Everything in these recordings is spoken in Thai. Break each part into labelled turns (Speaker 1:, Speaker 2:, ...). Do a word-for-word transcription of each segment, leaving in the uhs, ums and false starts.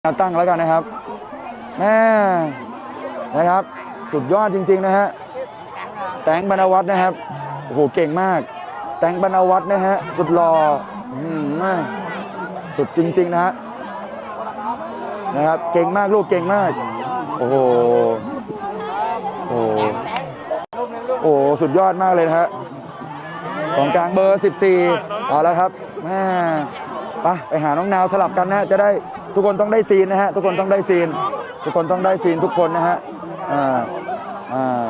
Speaker 1: ตั้งแล้วกันนะครับแม่นะครับสุดยอดจริงๆนะฮะแตงบรรณวัฒน์นะครับโอ้โหเก่งมากแตงบรรณวัฒน์นะฮะสุดหล่อสุดจริงๆนะฮะนะครับเก่งมากลูกเก่งมากโอ้โหโอ้โหสุดยอดมากเลยนะฮะของกลางเบอร์สิบสี่เอาแล้วครับแม่ไปไปหาน้องนาวสลับกันนะจะได้ทุกคนต้องได้ซีนนะฮะทุกคนต้องได้ซีนทุกคนต้องได้ซีนทุกคนนะฮะอ่าอ่า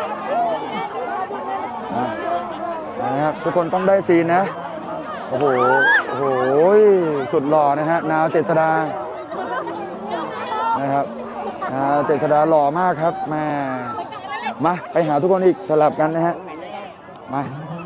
Speaker 1: นะครับทุกคนต้องได้ซีนนะโอ้โหโอ้โหสุดหล่อนะฮะนาวเจษฎานะครับนาวเจษฎาหล่อมากครับแม่มาไปหาทุกคนอีกสลับกันนะฮะมา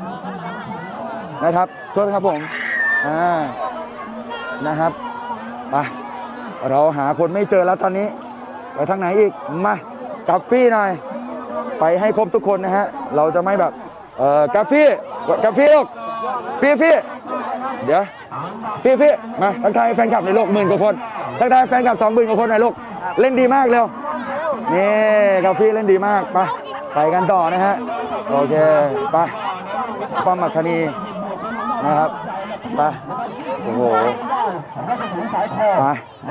Speaker 1: นะครับโทษครับผมอ่านะครับไปเราหาคนไม่เจอแล้วตอนนี้ไปทางไหนอีกมากับฟี่หน่อยไปให้ครบทุกคนนะฮะเราจะไม่แบบเอ่อกับฟี่กับฟี่ลูกฟี่ฟี่เดี๋ยวฟี่ฟี่มาทักทายแฟนคลับในโลกหมื่นกว่าคนทักทายแฟนคลับสองหมื่นกว่าคนในโลกเล่นดีมากเร็วนี่กับฟี่เล่นดีมากไปไปกันต่อนะฮะโอเคไปป้อมมัคคณีนะครับไปโอ้โหไป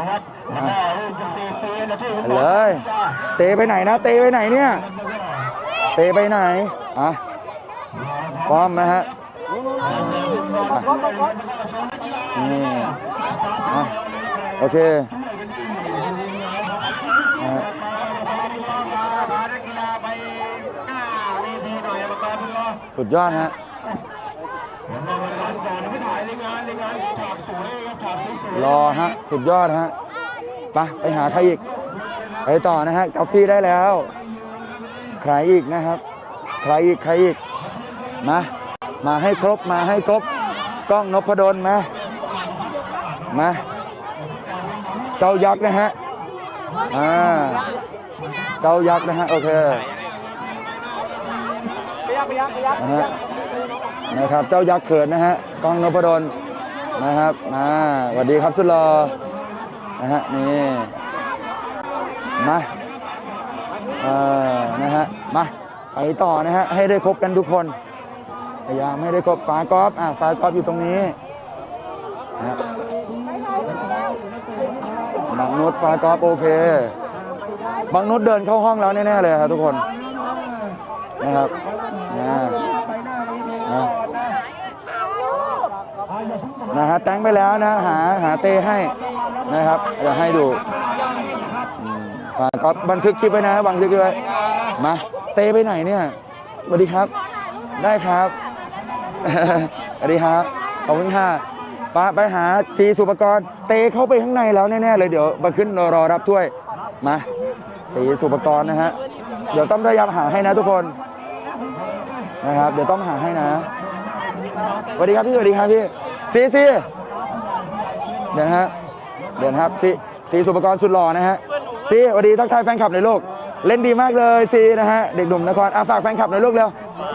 Speaker 1: เลยเตะไปไหนนะเตะไปไหนเนี่ยเตะไปไหนอ่ะพร้อมนะฮะนี่อ่ะโอเคสุดยอดฮะรอฮะสุดยอดฮะไปไปหาใครอีกไปต่อนะฮะกาแฟได้แล้วใครอีกนะครับใครอีกใครอีกมามาให้ครบมาให้ครบกล้องนพดลมามาเจ้ายักษ์นะฮะอ่าเจ้ายักษ์นะฮะโอเคนะฮะนะครับเจ้ายักษ์เขินนะฮะกล้องนพดลนะครับมาสวัสดีครับสุดหล่อนะฮะนี่มาเอ่อนะฮะมาไปต่อนะฮะให้ได้ครบกันทุกคนพยายามให้ได้ครบฟ้ากอล์ฟอ่ะฟ้ากอล์ฟอยู่ตรงนี้นะบางนุชฟ้ากอล์ฟโอเคบางนุชเดินเข้าห้องแล้วแน่ๆเลยครับทุกคนนะครับนะนะนะฮะแต่งไปแล้วนะหาหาเตให้นะครับเดี๋ยวให้ดูฝากก็บันทึกคลิปไว้นะบันทึกคลิปไว้มาเตไปไหนเนี่ยสวัสดีครับได้ครับสวัสดีครับขอบคุณค่ะป้าไปหาสีสุปกรณ์เตเข้าไปข้างในแล้วแน่ๆเลยเดี๋ยวมาขึ้นรอรับถ้วยมาสีสุปกรณ์นะฮะเดี๋ยวต้องพยายามหาให้นะทุกคนนะครับเดี๋ยวต้องหาให้นะสวัสดีครับพี่สวัสดีครับพี่ซีซีเดี๋ยวนะฮะเดี๋ยวนะครับซีซีสุปกรณ์สุดหล่อนะฮะซีสวัสดีทักทายแฟนคลับในโลกเล่นดีมากเลยซีนะฮะเด็กหนุ่มนครอ่ะฝากแฟนคลับในโลกเร็ว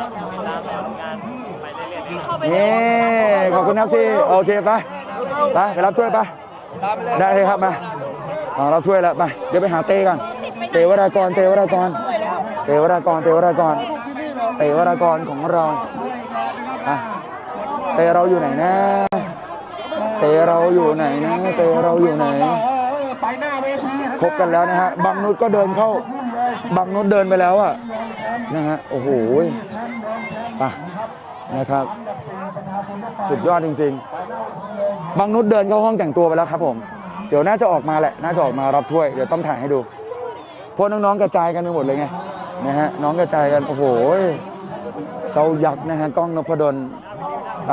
Speaker 1: นี่ขอบคุณครับซีโอเคไปไปไปรับถ้วยไปได้เลยครับมาเอารับถ้วยแล้วไปเดี๋ยวไปหาเต้กันเตวรากรเตวรากรเตวรากรเตวรากรเตวรากรของเราอ่ะเตเราอยู่ไหนนะเตเราอยู่ไหนนะเตเราอยู่ไหนครบกันแล้วนะฮะบางนุชก็เดินเข้าบางนุชเดินไปแล้วอ่ะนะฮะโอ้โหป่ะนะครับสุดยอดจริงๆบางนุชเดินเข้าห้องแต่งตัวไปแล้วครับผมเดี๋ยวน่าจะออกมาแหละน่าจะออกมารับถ้วยเดี๋ยวต้องถ่ายให้ดูเพราะน้องๆกระจายกันไปหมดเลยไงนะฮะน้องกระจายกันโอ้โหเจ้ายักษ์นะฮะกล้องนพดลไป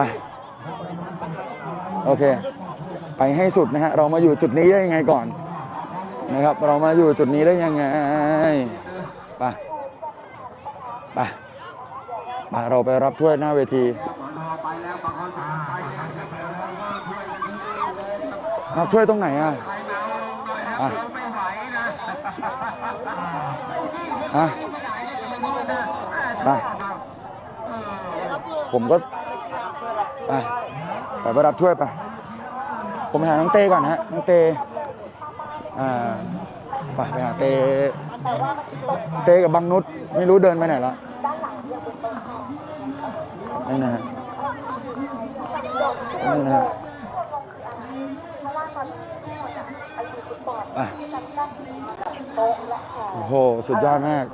Speaker 1: โอเคไปให้สุดนะฮะเรามาอยู่จุดนี้ได้ยังไงก่อนนะครับเรามาอยู่จุดนี้ได้ยังไงไปไปไปเราไปรับถ้วยหน้าเวทีรับถ้วยตรงไหนอ่ะอ่ะอ่ะไปผมก็ไปไปไปรับถ้วยไปผมหาน้องเต้ก่อนฮะน้องเต้อ่าไปไปหาเตเตกับบังนุชไม่รู้เดินไปไหนละนี่นะฮะนี่นะฮะอ่ะโอ้โหสุดยอดมาก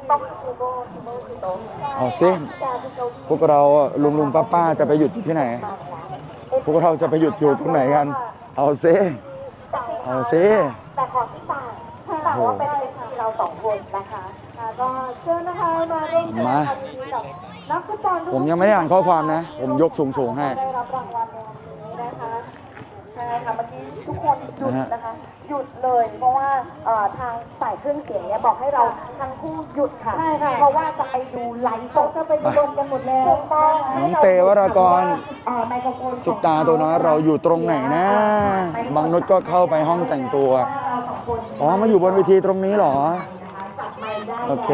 Speaker 1: เอาซิพวกเราลุงลุงป้าป้าจะไปหยุดที่ไหนพวกเราจะไปหยุดอยู่ตรงไหนกันเอาซิเอาซิ
Speaker 2: แต่ขอที่ต่างแต่ว่าเป็นเวทีเราสองคนนะคะก็เชิญนะคะมาร่วม
Speaker 1: มา
Speaker 2: นักฟุตบอล
Speaker 1: ผมยังไม่ได้อ่านข้อความนะผมยกสูงๆให้
Speaker 2: ได้รับรางวัลในวันนี้นะคะใช่ค่ะเมื่อกี้ทุกคนหยุดนะคะหยุดเลยเพราะว่าทางฝ่ายเครื่องเสียงเนี่ยบอกให้เราทั้งคู่หยุดค่ะใช่ค่ะเพราะว่าจะไปดูไลฟ์สดจะไปดูลงกันหมดแล้วถูกต้อง
Speaker 1: น้องเตวรากรสุดตาตัวน้อยเราอยู่ตรงไหนนะบางนุชก็เข้าไปห้องแต่งตัวอ๋อมาอยู่บนเวทีตรงนี้เหรอโอเค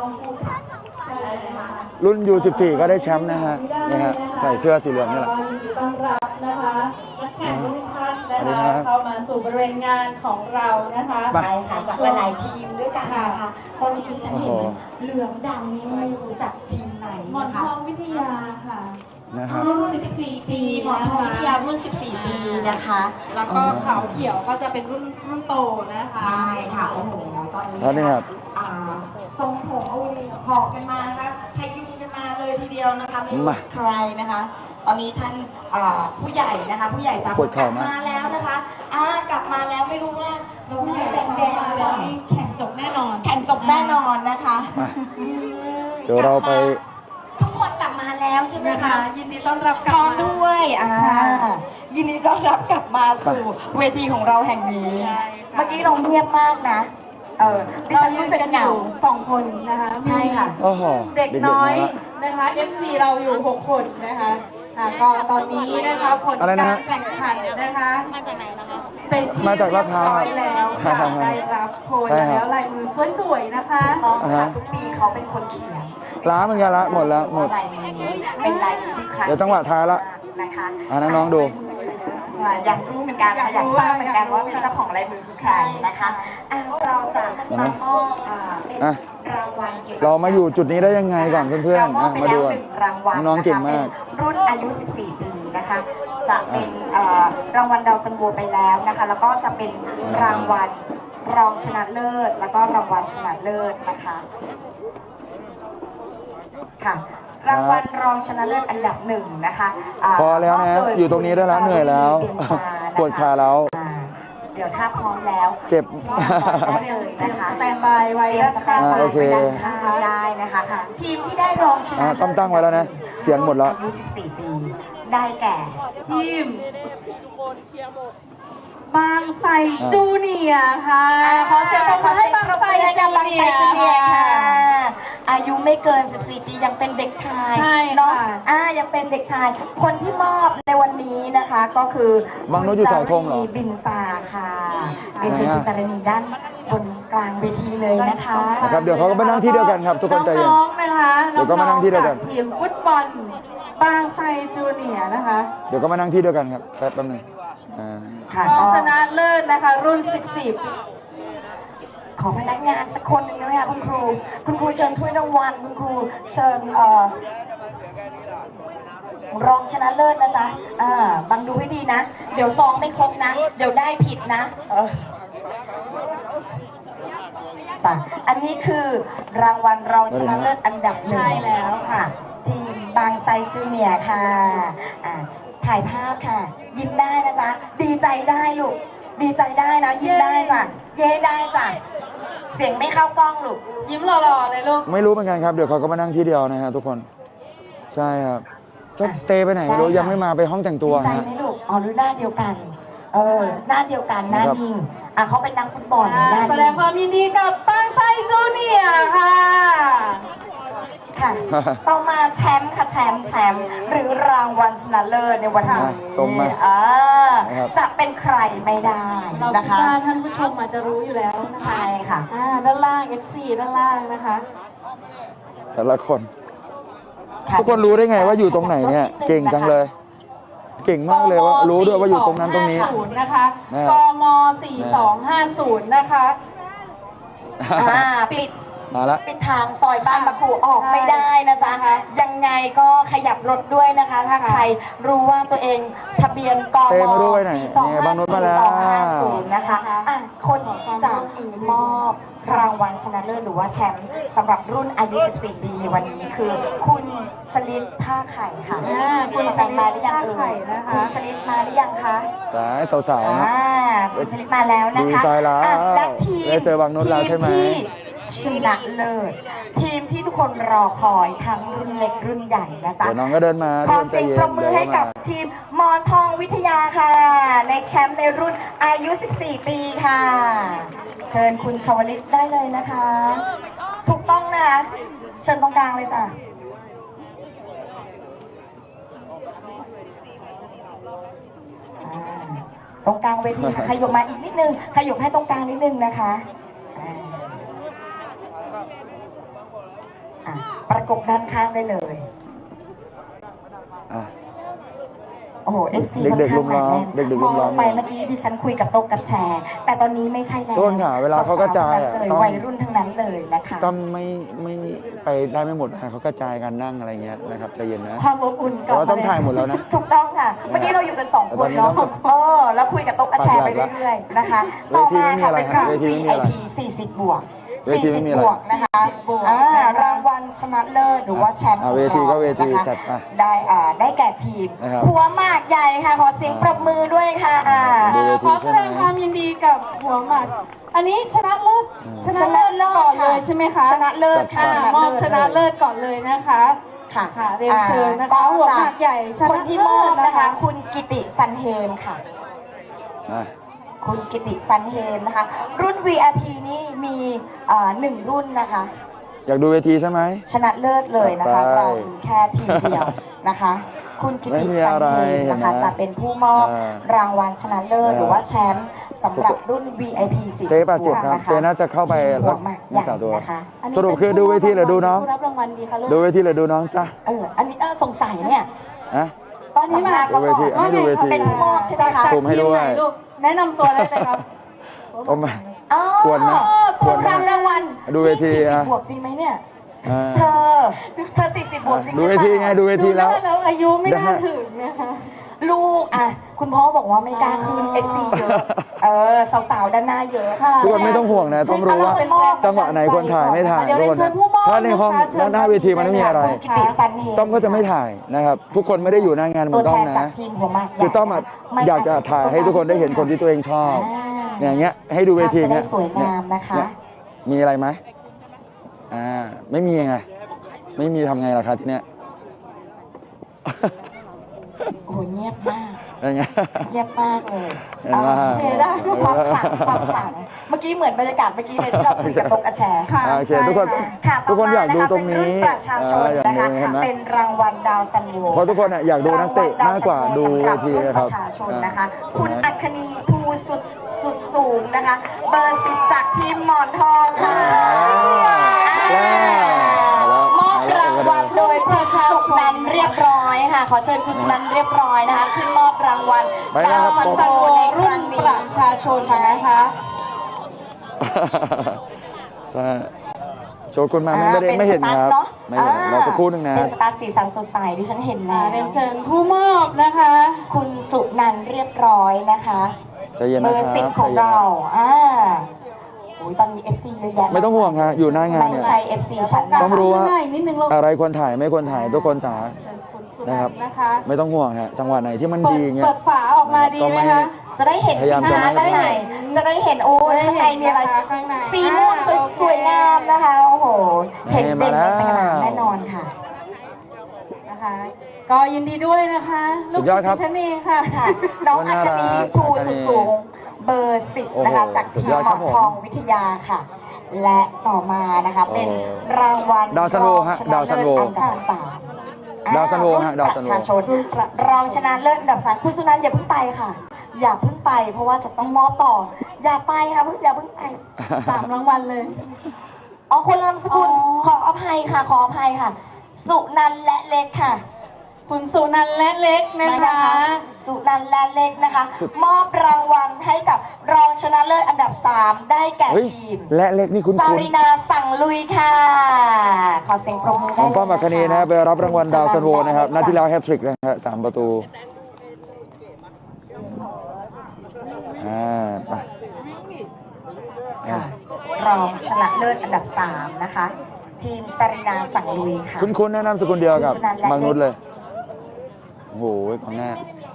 Speaker 1: รุ่น ยู สิบสี่ ก็ได้แชมป์นะฮะนี่ฮะใส่เสื้อสีเหลืองนี่แหละ
Speaker 2: ต้อนรับนะคะนักแข่งทุกท่านนะคะเข้ามาสู่บริเวณงานของเรานะคะ
Speaker 3: ใช่ค่ะจากหลายทีมด้วยกันนะคะตอนนี้ดิฉันเห็นเหลืองดำนี่ไม่รู้จักทีมไหน
Speaker 2: หมอนทองวิทยาค่ะ
Speaker 1: นะครับ
Speaker 2: รุ่นสิบสี่ปี
Speaker 3: หมอนทองวิทยารุ่นสิบสี่ปีนะคะ
Speaker 2: แล้วก็ขาวเขียวก็จะเป็นรุ่นรุ่นโตนะคะ
Speaker 3: ใช่ค่ะโอ้โห
Speaker 1: ตอนนี้ครับ
Speaker 3: ทรงผมเอาหอกกันมานะคะพยุงกันมาเลยทีเดียวนะคะไม่รู้ใครนะคะตอนนี้ท่านผู้ใหญ่นะคะผู้ใหญ่สามคนกลับมาแล้วนะคะอ่ากลับมาแล้วไม่รู้ว่าเราผู้ใหญ่แดงแดง
Speaker 2: แล้วนี่แข่งจบแน่นอน
Speaker 3: แข่งจบแน่นอนนะคะ
Speaker 1: เดี๋ยวเราไป
Speaker 3: ทุกคนกลับมาแล้วใช่ไหมคะ
Speaker 2: ยินดีต้อนรับกลั
Speaker 3: บมาด้วยอ่ายินดีต้อนรับกลับมาสู่เวทีของเราแห่งนี้เมื่อกี้เราเงียบมากนะเออดิฉันรู้สึกเหงา
Speaker 2: สองคนนะคะ
Speaker 3: ใช่ค่ะ
Speaker 2: เด็กน้อยนะคะ เอฟ ซี เราอยู่หกคนนะคะก็ตอนนี้นะคะผลการแข่งขันนะคะมาจากไหนนะคะเป็นที่
Speaker 1: มาจากลาดพร้าว
Speaker 2: แล้วได้รับโพยแล้วลายมือสวยๆนะคะ
Speaker 3: ต้องค่ะทุกปีเขาเป็นคนเขียน
Speaker 1: ล้าเหมือนกันละหมดแล้วหมด
Speaker 3: ลายมือนี้เป็นลายมือที่คลาสสิก
Speaker 1: เดี๋ยวจังหวะท้ายละ
Speaker 3: นะคะ
Speaker 1: อ่าน้องดู
Speaker 3: อยากรู้เหมือนกันอยากทราบเหมือนกันว่าเป็นเจ้าของลายมือคือใครนะคะเราจะมามอบรางวัล
Speaker 1: เรามาอยู่จุดนี้ได้ยังไงก่อนเพื่อน
Speaker 3: ๆมาดู
Speaker 1: น้องเก่งมาก
Speaker 3: รุ่นอายุสิบสี่ปีนะคะจะเป็นรางวัลดาวซันโวไปแล้วนะคะแล้วก็จะเป็นรางวัลรองชนะเลิศแล้วก็รางวัลชนะเลิศนะคะค่ะรางวัลรองชนะเลิศอันดับหนึ่งนะคะ
Speaker 1: พอแล้วนะอยู่ตรงนี้ได้แล้วเหนื่อยแล้วปวดขาแล้ว
Speaker 3: เดี๋ยวถ้าพร้อมแล้ว
Speaker 1: เจ็บ
Speaker 3: ได้เลยนะคะ
Speaker 2: สแตนบายไว้
Speaker 3: สแตนบายไว้ด้านข้างได้นะคะทีมที่ได้รองชนะ
Speaker 1: ต้องตั้งไว้แล้วนะเสียงหมดแล้ว
Speaker 3: อายุสิบสี่ปีได้แก่
Speaker 2: ทีมบางไทรจูเนียร์ค่ะ
Speaker 3: ขอเสียงปรบมือให้บางไทรจูเนียร์ค่ะอายุไม่เกินสิบสี่ปียังเป็นเด็กชาย
Speaker 2: ใช่
Speaker 3: เนาะอ่ายังเป็นเด็กชายคนที่มอบในวันนี้นะคะก็คือบ
Speaker 1: างนุชอยู่เสาธงเหรอ
Speaker 3: บินซาค่ะเป็นชื่อคุณจารณีด้านบนกลางเวทีเลยนะคะ
Speaker 1: ครับเดี๋ยวเขาก็มานั่งที่เดียวกันครับทุกคนใจเย็น
Speaker 2: น้องๆนะคะ
Speaker 1: เดี๋ยวก็มานั่งที่เดียวกัน
Speaker 2: ทีมฟุตบอลบางไทรจูเนียร์นะคะ
Speaker 1: เดี๋ยวก็มานั่งที่เดียวกันครับแป๊บแป๊บนึง
Speaker 2: รองชนะเลิศนะคะรุ่นสิบสี่
Speaker 3: ขอพนักงานสักคนหนึ่งได้ไหมคะคุณครูคุณครูเชิญถ้วยรางวัลคุณครูเชิญเอ่อรองชนะเลิศนะจ๊ะอ่าบังดูให้ดีนะเดี๋ยวซองไม่ครบนะเดี๋ยวได้ผิดนะเออจ้ะอันนี้คือรางวัลรองชนะเลิศอันดับหนึ่ง
Speaker 2: ใช่แล้ว
Speaker 3: ค่ะทีมบางไทรจูเนียร์ค่ะอ่าถ่ายภาพค่ะยิ้มได้นะจ๊ะดีใจได้ลูกดีใจได้นะยิ้มได้จ้ะเย้ได้จ้ะเสียงไม่เข้ากล้องลูก
Speaker 2: ยิ้มหล่อๆเลยลูก
Speaker 1: ไม่รู้เหมือนกันครับเดี๋ยวเขาก็มานั่งที่เดียวนะฮะทุกคนใช่ครับจะเตไปไหนไม่รู้ยังไม่มาไปห้องแต่งตัว
Speaker 3: ดีใจไหมลูกอ๋อหรือหน้าเดียวกันเออหน้าเดียวกันหน้านิ่งอ่ะเขาเป็นนักฟุตบอล
Speaker 2: แสดงความยินดีกับบางไทรจูเนียร์ค่ะ
Speaker 3: ค่ะต่อมาแชมป์ค่ะแชมป์แชมป์หรือรางวัลชนะเลิศในวันนี้จะเป็นใครไม่ได้นะคะ
Speaker 2: ท่านผู้ชมอาจจะรู้อยู่แล้ว
Speaker 3: ใช่ค่ะ
Speaker 2: ด้านล่าง เอฟ ซี ด้านล่างนะคะ
Speaker 1: แต่ละคนทุกคนรู้ได้ไงว่าอยู่ตรงไหนเนี่ยเก่งจังเลยเก่งมากเลยว่ารู้ด้วยว่าอยู่ตรงนั้นตรงนี้
Speaker 4: ศูนย์นะคะ
Speaker 1: นะครับ
Speaker 4: กมสี่สองห้าศูนย์นะคะ
Speaker 3: อ่าปิด
Speaker 1: มาละ
Speaker 3: ปิดทางซอยบ้านบะคูออกไม่ได้นะจ๊ะยังไงก็ขยับรถด้วยนะคะ ถ้าใครรู้ว่าตัวเองทะเบียนก
Speaker 1: เต้
Speaker 3: ม
Speaker 1: มาด้วยหน่อย
Speaker 3: สี่สอง
Speaker 1: เนี่ย
Speaker 3: ห้า
Speaker 1: บางนุช
Speaker 3: สี่
Speaker 1: มาแล้ว
Speaker 3: สองห้าศูนย์นะคะอ่ะคนที่จะมอบรางวัลชนะเลิศหรือว่าแชมป์สำหรับรุ่นอายุ สิบสี่ ปีในวันนี้คือ คุณชลิตท่าไข่ค่ะ
Speaker 4: อ่าคุณชลิต
Speaker 3: มาหรือยังเอ่
Speaker 4: ท่าไข่
Speaker 3: ย
Speaker 4: นะคะ
Speaker 3: คุณชลิตมาหรือยังคะ
Speaker 1: แต่สาวๆนะ
Speaker 3: อ่าคุณชลิตมาแล้วนะคะ
Speaker 1: ดีใจแล้ว
Speaker 3: อ่ะและทีม
Speaker 1: ได้เจอบางนุชแล้วใช่ไหม
Speaker 3: ทีที่ชนะเลิศทีมที่ทุกคนรอคอยทั้งรุ่นเล็กรุ่นใหญ่นะจ๊ะ
Speaker 1: เดี๋ยวน้องก็เดินมา
Speaker 3: ขอ
Speaker 1: ทุกคนใจ
Speaker 3: เสียง
Speaker 1: เย็น
Speaker 3: ปรบมือให้กับ
Speaker 1: เดี๋ยว
Speaker 3: ทีมมอนทองวิทยาค่ะ ในแชมป์ในรุ่นอายุ สิบสี่ ปีค่ะ เชิญคุณชวลิตได้เลยนะคะ ถูกต้องนะคะเชิญตรงกลางเลยจ้ะอ่าตรงกลางเวทีค่ะขยบมาอีกนิดนึงขยบให้ตรงกลางนิดนึงนะคะอ่าอ่ะประกบด้านข้างได้เลย
Speaker 1: อ่ะ
Speaker 3: โอ้โห เอฟ ซี
Speaker 1: เด็
Speaker 3: ค่อน
Speaker 1: กๆ
Speaker 3: ข้างหนาแน่น
Speaker 1: เด็กๆ
Speaker 3: มองลงไป
Speaker 1: รุมล้อม
Speaker 3: เมื่อกี้ดิฉันคุยกับโต๊ะกับแชร์ แต่ตอนนี้ไม่ใช่แล้ว
Speaker 1: ต้นค่ะเวลาเขากระจายอะ
Speaker 3: สวๆทั้งนั้นเลย
Speaker 1: ต้อง
Speaker 3: วัยรุ่นทั้งนั้นเลยนะคะ
Speaker 1: ก็ไม่ไม่ไปได้ไม่หมดนะเขากระจายกันนั่งอะไรเงี้ยนะครับใจเย็นนะ
Speaker 4: ความอบอุ่นก
Speaker 1: แต่
Speaker 4: ลับ
Speaker 1: ว่า
Speaker 4: มา
Speaker 1: ต้องถ่ายหมดแล้วนะ
Speaker 3: ถูกต้องค่ะ เมื่อกี้เราอยู่กันสองคนเนาะ
Speaker 1: แต่ตอนนี้ต้อง
Speaker 3: เออ แล้วคุยกับโต๊ะกับแชร์ไปเรื่อยๆนะคะ
Speaker 1: เว
Speaker 3: ต่อ
Speaker 1: ที
Speaker 3: มา
Speaker 1: ไม่มี
Speaker 3: ค่ะ
Speaker 1: อะไร
Speaker 3: เป็นรุ่น
Speaker 1: เวที
Speaker 3: วี
Speaker 1: ไม่มี
Speaker 3: ไอ
Speaker 1: อะไร
Speaker 3: พี สี่สิบ บวก
Speaker 1: เวทีไม่มี
Speaker 3: 40
Speaker 1: อะไร
Speaker 3: บวกนะคะ
Speaker 4: บวก
Speaker 3: อ่า
Speaker 4: นะคะ
Speaker 3: รางวัลชนะเลิศหรือว่าแชมป์ข
Speaker 1: อ่า
Speaker 3: อง
Speaker 1: เวทีก็
Speaker 3: เรา
Speaker 1: เวที
Speaker 3: นะคะ
Speaker 1: จัดไป
Speaker 3: ได้อ่าได้แก่ทีม
Speaker 1: นะครับ
Speaker 3: หัวหมากใหญ่ค่ะ ขอเสียงปรบมือด้วยค่ะ
Speaker 1: ดูเวที
Speaker 4: ขอแสดงความยินดีกับหัวหมากอันนี้ชนะเลิศชนะเลิศก่อนเลยใช่ไหมคะ
Speaker 3: ชนะเลิศค่ะ
Speaker 4: อ่ามอบชนะเลิศก่อนเลยนะคะ
Speaker 3: ค่ะ
Speaker 4: ค่ะเรียนเชิญนะคะ
Speaker 3: อ่า
Speaker 4: หัวหมากใหญ่ชนะ
Speaker 3: คนที่มอบนะคะ
Speaker 4: เลิศนะคะ
Speaker 3: คุณกิติสันเฮมค่ะ
Speaker 1: อ่ะ
Speaker 3: คุณกิติสันเฮมนะคะ รุ่น วี ไอ พี นี่มีเอ่อหนึ่งรุ่นนะคะ
Speaker 1: อยากดูเวทีใช่ไหม
Speaker 3: ชนะเลิศเลยนะคะ
Speaker 1: ไป
Speaker 3: เรามีแค่ทีมเดียวนะคะ คุณกิติ
Speaker 1: ไม่มี
Speaker 3: สัน
Speaker 1: อะไร
Speaker 3: เฮมนะคะ
Speaker 1: เห็นไหม
Speaker 3: จะเป็นผู้มอบ
Speaker 1: อ่าร
Speaker 3: างวัลชนะเลิศ
Speaker 1: อ่า
Speaker 3: หรือว่าแชมป์สำหรับรุ่น วี ไอ พี สี่สิบ
Speaker 1: เต้บาดเจ็บครับ
Speaker 3: นะคะ
Speaker 1: เต้น่าจะเข้าไป
Speaker 3: ทีมหัวหมากใหญ่
Speaker 1: รักษาตัว
Speaker 3: นะคะ
Speaker 4: อันนี้
Speaker 1: สรุปคือดูเวทีหรือดูน้อง
Speaker 4: ผู้รับรางวัลดีค่ะลูก
Speaker 1: ดูเวทีหรือดูน้องจ้ะ
Speaker 3: เอออันนี้เออสงสัยเนี่ย
Speaker 1: อะ
Speaker 3: ตอนนี้มา
Speaker 1: ดูเวทีให้ดูเวที
Speaker 3: เป็นผู้มอบใช่ไหมคะ
Speaker 1: ซูมให้ด้วย
Speaker 4: ทีมไหนลูกแนะนำตัวได้เลยครับ
Speaker 1: ผมมา
Speaker 3: อ๋อ
Speaker 1: ควรไหม
Speaker 3: ตั
Speaker 1: คว
Speaker 3: ว
Speaker 1: รไหม
Speaker 3: รางรางวัล
Speaker 1: ดูเวที
Speaker 3: สี่สิบ
Speaker 1: อะ
Speaker 3: บวกจริงไหมเนี่ย
Speaker 1: อ่า
Speaker 3: เธอ เธอสี่สิบบวกจริงห
Speaker 1: ดู
Speaker 3: รือ
Speaker 1: เว
Speaker 3: เป
Speaker 1: ที
Speaker 3: ล่า
Speaker 1: ไงดูเวทีแล้ว
Speaker 4: ดูได้แล้วอายุไม่น่า
Speaker 1: ได้
Speaker 4: ถึงนะคะ
Speaker 3: ลูกอ่ะ คุณพ่อบอกว่าไม่กล้าคืน เอฟ ซี เยอะ เออ สาวๆ ด้านหน้าเยอะ
Speaker 4: ค่ะ
Speaker 1: ทุกคนไม่ต้องห่วงนะ ต้องรู้ว่าจังหวะไหนควรถ่ายไม่ถ่าย
Speaker 4: เดี๋ยว
Speaker 1: ทุกคน
Speaker 4: เชิ
Speaker 1: นะ
Speaker 4: ญผู้มอบ
Speaker 1: ถ้าในห้อง
Speaker 4: นะคะเชิญ
Speaker 1: หน้าเวทีมันไม่มีอะไร
Speaker 3: คุณกิติสันเฮ
Speaker 1: ต้อมก็จะไม่ถ่ายนะครับ ทุกคนไม่ได้อยู่หน้างานเหมื
Speaker 3: ตั
Speaker 1: อ
Speaker 3: วน
Speaker 1: ต้
Speaker 3: แท
Speaker 1: อม
Speaker 3: นจาก
Speaker 1: นะ
Speaker 3: ทีมหัวหมากใหญ่
Speaker 1: คือต้อมอะ
Speaker 3: ไม่
Speaker 1: อยากจะถ่ายให้ทุกคนได้เห็นคนที่ตัวเองชอบ
Speaker 3: อ่า
Speaker 1: เนี่ยอย่างเงี้ยให้ดูเวที
Speaker 3: ภาพจะได้
Speaker 1: เนี้ย
Speaker 3: สวยงามนะคะ
Speaker 1: เยมีอะไรไหมอ่าไม่มีไงไม่มีทำไงล่ะครับทีเนี้ย
Speaker 3: โอ้โหเงียบมาก
Speaker 1: อะไรเงี้ย
Speaker 3: เงียบมากเลย
Speaker 1: เห็นไหม
Speaker 3: อ่าโอเคได้ความขลังความขลังเมื่อกี้เหมือนบรรยากาศเมื่อกี้เลยที่เราคุยกับโต๊ะกระแชร์
Speaker 4: ค่ะ
Speaker 1: โอเคทุกคน
Speaker 3: ค่ะ
Speaker 1: ทุกคนอยากดูตรง
Speaker 3: เป็
Speaker 1: นี้
Speaker 3: รุ่นประชาชน
Speaker 1: อ่าอยาก
Speaker 3: นะคะ
Speaker 1: ดูเห็นไหม
Speaker 3: เป็นรางวัลดาวซันโว
Speaker 1: เพราะทุกคนอะอยากดูนักเตะมากกว่าดูเวที
Speaker 3: รุ่น
Speaker 1: นะ
Speaker 3: ป
Speaker 1: ครับ
Speaker 3: ระชาชนนะคะ
Speaker 1: อ่า
Speaker 3: คุณอัคนีภูสุดสุดสูงนะคะ เบอร์สิบจากทีมหมอนทองค่ะ
Speaker 1: แล้วแล้ว
Speaker 3: มอบรางวัลโดยคุณสุนันท์เรียบร้อยค่ะ ขอเชิญคุณสุนันท์เรียบร้อยนะคะขึ้นมอบรางวัล
Speaker 1: ไปแล้วครับ
Speaker 3: ดาว
Speaker 4: ซั
Speaker 3: ซั
Speaker 4: น
Speaker 3: น
Speaker 4: โว
Speaker 3: โวในค
Speaker 4: รุ่
Speaker 3: รั้
Speaker 4: น
Speaker 3: ง
Speaker 4: ป
Speaker 3: นี้
Speaker 4: ระชาชนนะคะ
Speaker 1: ใช่โชกุนมาไม่ไม่ได้ไม่เห็นครับ ไม่เห็นรอสักครู่หนึ่งนะ
Speaker 3: เป็นสตาร์สีสันสดใสที่ฉันเห็นแล้ว
Speaker 4: เรียนเชิญผู้มอบนะคะ
Speaker 3: คุณสุนันท์เรียบร้อยนะคะ
Speaker 1: ใจเย็น
Speaker 3: เบ
Speaker 1: นะ
Speaker 3: อ
Speaker 1: ค
Speaker 3: ร์
Speaker 1: รับ
Speaker 3: สิบของเราอ่าโอ้ยตอนนี้ เอฟ ซี เยอะแยะ
Speaker 1: ไม่ต้องห่วงฮะอยู่หน้างาน
Speaker 3: ไม่
Speaker 1: เนี่ย
Speaker 3: ใช่ เอฟ ซี ฉันนะ
Speaker 1: ต้องรู้ว่า
Speaker 4: ง่ายนิดนึงลูก
Speaker 1: อะไรควรถ่ายไม่ควรถ่ายทุกคนจ๋า
Speaker 4: เชิญคุณสุ
Speaker 1: นะ
Speaker 4: นั
Speaker 1: ครั
Speaker 4: น
Speaker 1: บ
Speaker 4: ท์นะคะ
Speaker 1: ไม่ต้องห่วงฮะจังหวะไหนที่มัน
Speaker 4: เปิ
Speaker 1: ดี
Speaker 4: ด
Speaker 1: เงี้ย
Speaker 4: เปิดฝาออกมาดีไหมคะ
Speaker 3: จะได้เห็น
Speaker 1: พยายาม
Speaker 3: สิน
Speaker 1: จะ
Speaker 3: ค้า
Speaker 1: ไม่
Speaker 3: ด้านในจะได้เห็นโอ้ยข้างในมีอะไร
Speaker 4: ข้างใน
Speaker 3: สีม่วงสวย
Speaker 4: โอเค
Speaker 3: สวยงามนะคะ โอ้โห เห็น
Speaker 1: นี่
Speaker 3: เด่น
Speaker 1: มา
Speaker 3: ในสนาม
Speaker 1: แล้ว
Speaker 3: แน่นอนค่ะ
Speaker 4: นะคะ ก็ยินดีด้วยนะคะ
Speaker 1: สุดยอดครับ
Speaker 4: ลูกศิษย์ดิฉันเองค่ะ
Speaker 3: ค่ะ น้องอัคนีภูสุดสูง เบอร์สิบนะคะ
Speaker 1: โอ้โห
Speaker 3: จาก
Speaker 1: สุด
Speaker 3: ทีม
Speaker 1: ยอด
Speaker 3: หม
Speaker 1: ครั
Speaker 3: อบ น
Speaker 1: ผม
Speaker 3: ทองวิทยาค่ะ และต่อมานะคะ
Speaker 1: โอ้
Speaker 3: เป็นรางวัล
Speaker 1: ดาวซันโวฮะ
Speaker 3: รองชนะ
Speaker 1: ดาวซันโว
Speaker 3: เลิศอันดับสาม
Speaker 1: ดาวซันโวฮะ
Speaker 3: อ่
Speaker 1: ดาวซันโว
Speaker 3: รุ่ประชาชนรองชนะเลิศอันดับสามคุณสุนันท์อย่าเพิ่งไปค่ะ อย่าเพิ่งไป เพราะว่าจะต้องมอบต่อ อย่าไปค่ะเพิ่งอย่าเพิ่งไป
Speaker 4: สามรางวัลเลย
Speaker 3: อ๋อคนละนามสกุล
Speaker 4: อ๋อ
Speaker 3: ขออภัยค่ะ ขออภัยค่ะ สุนันท์และเล็กค่ะ
Speaker 4: คุณสุนันท์และเล็กนะคะ
Speaker 3: สุนันท์และเล็กนะคะ
Speaker 1: สุด
Speaker 3: มอบรางวัลให้กับรองชนะเลิศอันดับสามได้แก่
Speaker 1: เฮ้ย
Speaker 3: ทีม
Speaker 1: และเล็กนี่คุณ
Speaker 3: ซา
Speaker 1: คุณ
Speaker 3: รินาสั่งลุยค่ะ ขอเสียงปรบมือ
Speaker 1: น้
Speaker 3: ได้
Speaker 1: องป้อมอัคคณีนะครับไปรับรางวัลดาวซันโวนะครับนัดที่แล้วแฮตทริกนะฮะสามประตูอ่าไปอ่ะ
Speaker 3: รองชนะเลิศอันดับสามนะคะ ทีมซารินาสั่งลุยค่ะ
Speaker 1: คุณคุณแนะนำสกุลเดียวกับ
Speaker 3: คุณสุนันท์และ
Speaker 1: บางนุชเลยโอ้โหของหน้า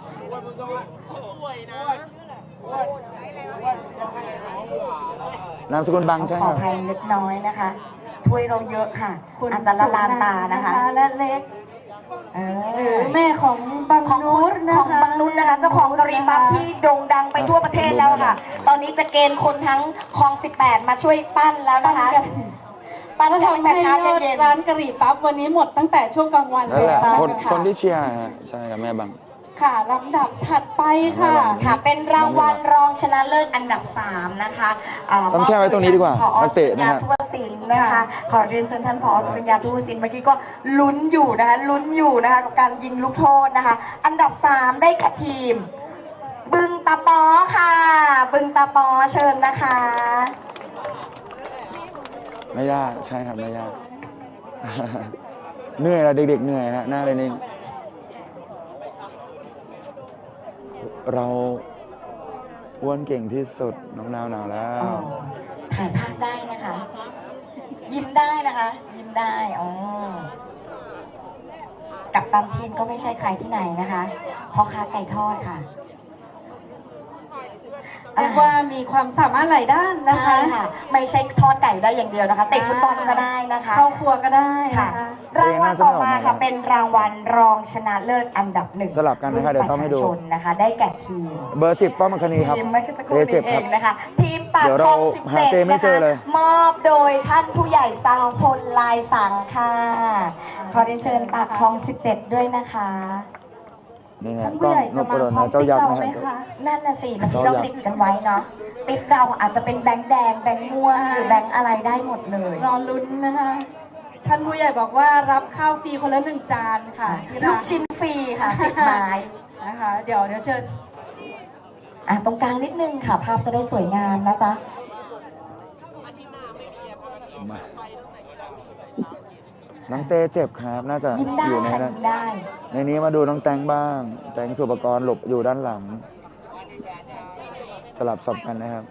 Speaker 1: นามสกุลบังใช่
Speaker 3: ข
Speaker 1: ค
Speaker 3: อ
Speaker 1: รับ
Speaker 3: อภัยเล็กน้อยนะคะ ถ้วยเราเยอะค่ะ
Speaker 4: คุณ
Speaker 3: อาจจะละลานตานะคะ
Speaker 4: และเล็ก
Speaker 3: เอ
Speaker 4: หรือ
Speaker 3: อ
Speaker 4: แม่ของบาง
Speaker 3: ของ
Speaker 4: นุ
Speaker 3: คุณ
Speaker 4: ชนะ
Speaker 3: ของ
Speaker 4: คะ
Speaker 3: บางนุชนะคะเจ้าของกะหรี่ปั๊บที่โด่งดังไปทั่วประเทศแล้วค่ะ ตอนนี้จะเกณฑ์คนทั้งคลองสิบแปดมาช่วยปั้นแล้วนะคะ ปั้น
Speaker 4: แล้ว
Speaker 3: ตั้ง
Speaker 4: ทำ
Speaker 3: แต่
Speaker 4: ให้
Speaker 3: เช้าย
Speaker 4: อด
Speaker 3: เย็น
Speaker 4: ร้านกะหรี่ปั๊บวันนี้หมดตั้งแต่ช่วงกลางวัน
Speaker 1: นั่นแหละ
Speaker 4: เลย
Speaker 1: คน
Speaker 3: ค่ะ
Speaker 1: คนที่เชียร์ฮะใช่ครับแม่บัง
Speaker 4: ค่ะลำดับถัดไปค่ะ
Speaker 3: ๆค่ะเป็นรางวัลรองชนะเลิศอันดับสามนะคะเ
Speaker 1: ต้องแช่ไว้ตรงนี้ดีกว่า
Speaker 3: ผอ
Speaker 1: มาเตะ
Speaker 3: สุ
Speaker 1: นะ
Speaker 3: ริยา
Speaker 1: ฮะ
Speaker 3: ทุวศิลป์นะคะ ขอเรียนเชิญท่านผอสุริยาทุวศิลป์เมื่อกี้ก็ลุ้นอยู่นะคะลุ้นอยู่นะคะกับการยิงลูกโทษนะคะ อันดับสามได้แก่ทีม บึงตาปอค่ะ บึงตาปอเชิญนะคะ
Speaker 1: ไม่ยากใช่ครับไม่ยาก เหนื่อยละเด็กๆเหนื่อยฮะหน้าเลยนี่เราอ้วนเก่งที่สุดน้องนาวหนาวแล้ว
Speaker 3: ถ่ายภาพได้นะคะ ยิ้มได้นะคะ ยิ้มได้อ๋อกับตันทีมก็ไม่ใช่ใครที่ไหนนะคะพ่อค้าไก่ทอดค่ะ
Speaker 4: เรียกว่ามีความสามารถหลายด้านนะ
Speaker 3: ใช่
Speaker 4: คะ
Speaker 3: ค่ะ ไม่ใช่ทอดไก่ได้อย่างเดียวนะคะเตะฟุตบอลก็ได้นะคะ
Speaker 4: เข้าครัวก็ได้นะ
Speaker 3: ค่ะ
Speaker 4: คะ
Speaker 3: รางวัลต่อมาค่ะเป็นรางวัลรองชนะเลิศอันดับหนึ่ง
Speaker 1: สลับกันนะคะเดี๋ยวต้องให้ดู
Speaker 3: รุ่นประชาชนนะคะ ได้แก่ทีม
Speaker 1: เบอร์สิบป้อมอัคคณีครับ
Speaker 3: ทีมเมื่อสักครู่
Speaker 1: เอ
Speaker 3: นี้
Speaker 1: เจ็บ
Speaker 3: เอ
Speaker 1: ครับ
Speaker 3: งนะคะ ทีมปาก
Speaker 1: เดี๋ยว
Speaker 3: คล
Speaker 1: เรา
Speaker 3: องสิบ
Speaker 1: หา
Speaker 3: เจ็ด
Speaker 1: เต้ไม่
Speaker 3: นะ
Speaker 1: เจ
Speaker 3: คะ
Speaker 1: อเลย
Speaker 3: มอบโดยท่านผู้ใหญ่สาวพลลายสังค่ะ ขอเรียนเชิญปากคลองสิบเจ็ดด้วยนะคะ
Speaker 1: นี่ฮะ
Speaker 4: ท่าน
Speaker 1: กล้
Speaker 4: ผู้
Speaker 1: อง
Speaker 4: ใหญ่
Speaker 1: น
Speaker 4: จะ
Speaker 1: พ
Speaker 4: มา
Speaker 1: ดล
Speaker 4: พร้อ
Speaker 1: นะ
Speaker 4: ม
Speaker 1: เจ้า
Speaker 4: ติ๊ก
Speaker 1: ยักษ์
Speaker 4: เรา
Speaker 1: นะ
Speaker 4: ไหม
Speaker 1: ฮะ
Speaker 4: คะ
Speaker 3: นั่นน่ะสิเมื่อกี้เราติดกันไว้เนาะติดเราอาจจะเป็นแบงค์แดงแบงค์ม่วงหรือแบงค์อะไรได้หมดเลย
Speaker 4: รอลุ้นนะคะ ท่านผู้ใหญ่บอกว่ารับข้าวฟรีคนละหนึ่งจานค่ะที่
Speaker 3: ลู
Speaker 4: ร้าก น
Speaker 3: ชิ้นฟรีค่ะสิบไม้
Speaker 4: นะคะ เดี๋ยวเดี๋ยวเชิญ
Speaker 3: อ่ะตรงกลางนิดนึงค่ะ ภาพจะได้สวยงามนะจ๊ะ
Speaker 1: มาน้องเต้เจ็บครับ น่าจะ
Speaker 3: ยิ้มได้
Speaker 1: อยู่ใน
Speaker 3: ค่ะ
Speaker 1: นั้น
Speaker 3: ยิ้มได้
Speaker 1: ในนี้มาดูน้องแตงบ้าง แตงสุปกรณ์หลบอยู่ด้านหลัง สลับสับกันนะครับ